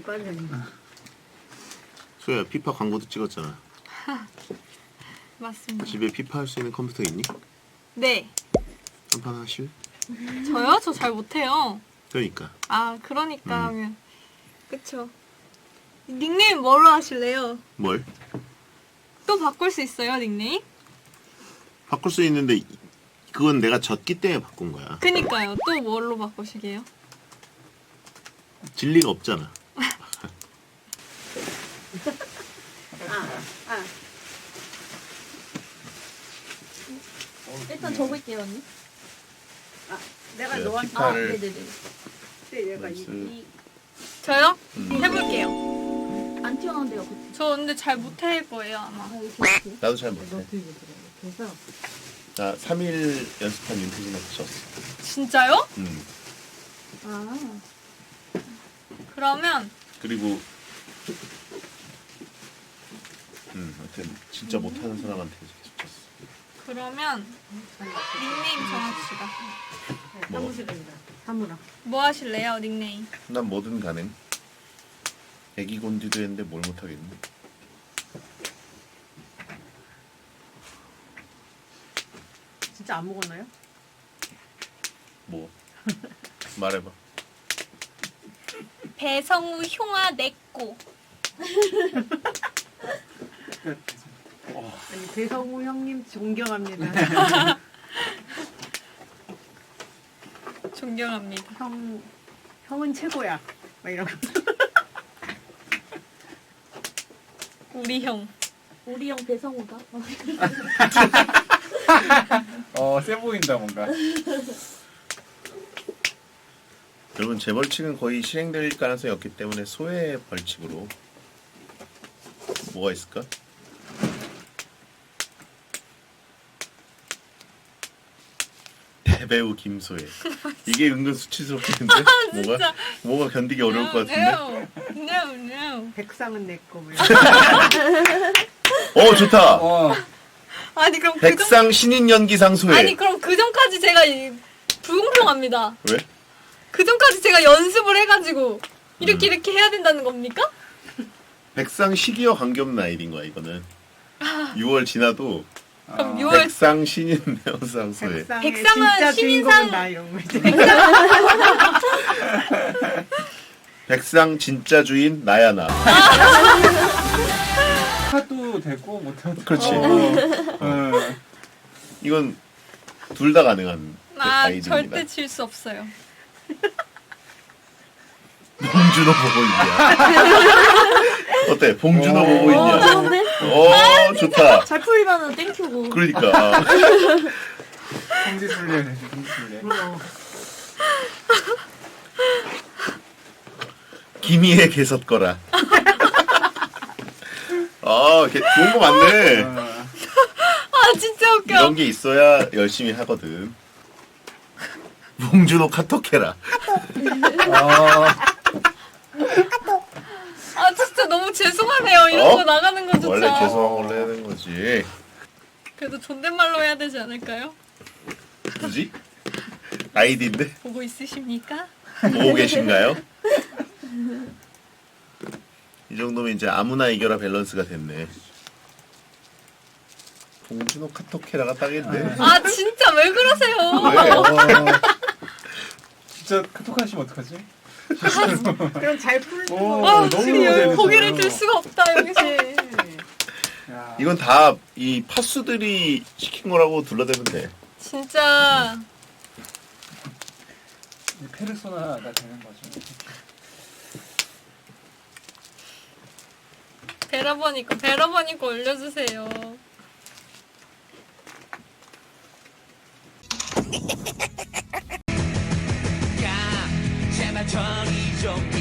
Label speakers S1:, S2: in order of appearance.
S1: 빨리.
S2: 소야 피파 광고도 찍었잖아.
S3: 맞습니다.
S2: 집에 피파 할 수 있는 컴퓨터 있니?
S3: 네.
S2: 한판 하실?
S3: 저요? 저 잘 못해요.
S2: 그러니까.
S3: 아, 그러니까 하면. 그쵸. 닉네임 뭐로 하실래요?
S2: 뭘?
S3: 또 바꿀 수 있어요, 닉네임?
S2: 바꿀 수 있는데 그건 내가 졌기 때문에 바꾼 거야.
S3: 그니까요. 또 뭘로 바꾸시게요?
S2: 진리가 없잖아.
S4: 일단 적을게요, 언니.
S1: 내가
S2: 네,
S1: 너한테
S2: 피파를
S4: 네네네.
S1: 얘가
S3: 저요? 해볼게요.
S4: 안 튀어나온대요, 그치?
S3: 저 근데 잘 못할 거예요, 아마.
S4: 아, 이렇게.
S2: 나도 잘 못해.
S1: 그래서
S2: 나 3일 연습한 윤태진한테 졌어.
S3: 진짜요?
S4: 아,
S3: 그러면
S2: 그리고 하여튼 진짜 못하는 사람한테 계속 졌어.
S3: 그러면 닉네임 정합시다.
S2: 뭐?
S1: 사무실입니다. 사무라.
S3: 뭐 하실래요, 닉네임?
S2: 난 뭐든 가능. 애기 곤디도 했는데 뭘 못하겠니?
S1: 진짜 안 먹었나요?
S2: 뭐? 말해봐.
S3: 배성우 흉아 내꼬.
S1: 아니 배성우 형님 존경합니다.
S3: 존경합니다.
S1: 형은 최고야. 막 이런 거.
S3: 우리 형.
S4: 우리 형 배성우가?
S5: 세 보인다 뭔가.
S2: 여러분 제 벌칙은 거의 실행될 가능성이 없기 때문에 소의 벌칙으로 뭐가 있을까? 대배우 김소혜. 이게 은근 수치스럽겠는데? 뭐가 견디기 어려울 것 같은데?
S3: No.
S1: 백상은 내 거.
S2: 좋다.
S3: 아니 그럼
S2: 백상 신인 연기상 소혜.
S3: 아니 그럼 그 전까지 제가 불공평합니다.
S2: 왜?
S3: 그 전까지 제가 연습을 해가지고 이렇게 해야 된다는 겁니까?
S2: 백상 시기와 관계없는 아이디인 거야 이거는. 6월 지나도
S3: 그럼 6월
S2: 백상 신인 배우상 소혜.
S3: 백상은
S1: 진짜
S3: 신인상-
S1: 주인공은 나 이런 거 있지.
S2: 백상 진짜 주인 나야 나.
S5: 하도 되고 못해도
S2: 그렇지.
S5: 되고.
S2: 이건 둘 다 가능한 아이디입니다.
S3: 절대 질 수 없어요.
S2: 봉준호 보고 있냐? 어때? 봉준호 보고 있냐?
S4: 좋은데?
S2: 좋다.
S4: 잘 풀리면은 땡큐고.
S2: 그러니까.
S5: 성지순례 되지, 성지순례.
S2: 김희애 개섰거라. 좋은 거 많네.
S3: 아 진짜 웃겨.
S2: 이런 게 있어야 열심히 하거든. 봉준호 카톡해라.
S3: 아 진짜 너무 죄송하네요. 이런 거 나가는 거조차.
S2: 원래 죄송한 걸로 해야 되는 거지.
S3: 그래도 존댓말로 해야 되지 않을까요?
S2: 굳이? 아이디인데?
S3: 보고 있으십니까?
S2: 보고 계신가요? 이 정도면 이제 아무나 이겨라 밸런스가 됐네. 봉준호 카톡해라가 딱인데.
S3: 아 진짜 왜 그러세요?
S2: 왜?
S5: 진짜 카톡 하시면 어떡하지?
S1: 그럼 잘 풀는
S5: 오,
S1: 거.
S3: 아
S5: 너무
S3: 지금
S5: 재밌어요.
S3: 고개를 들 수가 없다 여기서.
S5: 야,
S2: 이건 다 이 파수들이 시킨 거라고 둘러대면 돼.
S3: 진짜
S5: 이 페르소나가 되는 거죠.
S3: 베러버니까 올려주세요.
S6: 제발 정의 좀